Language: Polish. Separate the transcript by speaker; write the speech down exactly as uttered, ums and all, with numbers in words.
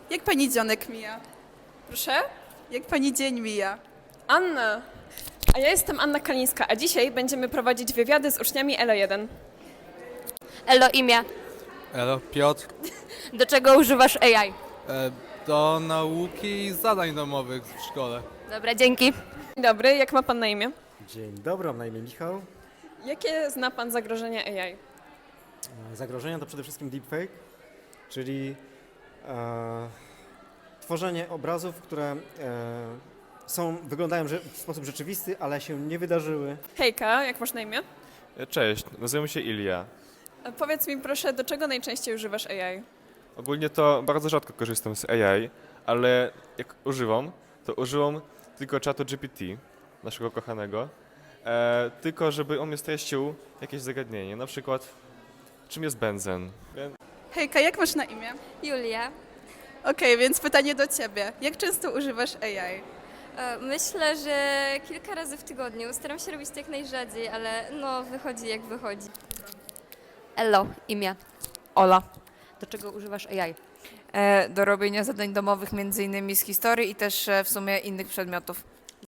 Speaker 1: Jak pani dzionek mija?
Speaker 2: Proszę?
Speaker 1: Jak pani dzień mija?
Speaker 2: Anna. A ja jestem Anna Kalińska, a dzisiaj będziemy prowadzić wywiady z uczniami Elo jeden.
Speaker 3: Elo, imię.
Speaker 4: Elo, Piotr.
Speaker 3: Do czego używasz A I?
Speaker 4: E, do nauki i zadań domowych w szkole.
Speaker 3: Dobra, dzięki.
Speaker 2: Dzień dobry, jak ma pan na imię?
Speaker 5: Dzień dobry, mam na imię Michał.
Speaker 2: Jakie zna pan zagrożenia A I?
Speaker 5: E, Zagrożenia to przede wszystkim deepfake, czyli e, tworzenie obrazów, które e, są, wyglądają że- w sposób rzeczywisty, ale się nie wydarzyły.
Speaker 2: Hejka, jak masz na imię?
Speaker 6: Cześć, nazywam się Ilia.
Speaker 2: A powiedz mi proszę, do czego najczęściej używasz A I?
Speaker 6: Ogólnie to bardzo rzadko korzystam z A I, ale jak używam, to używam tylko czatu G P T, naszego kochanego, e, tylko żeby on mi streścił jakieś zagadnienie, na przykład czym jest benzen. Ben-
Speaker 1: Hejka, jak masz na imię?
Speaker 7: Julia.
Speaker 1: Okej, więc pytanie do ciebie. Jak często używasz A I?
Speaker 7: E, Myślę, że kilka razy w tygodniu. Staram się robić to jak najrzadziej, ale no wychodzi jak wychodzi.
Speaker 3: Elo, imię.
Speaker 8: Ola.
Speaker 3: Do czego używasz A I?
Speaker 8: E, do robienia zadań domowych między innymi z historii i też e, w sumie innych przedmiotów.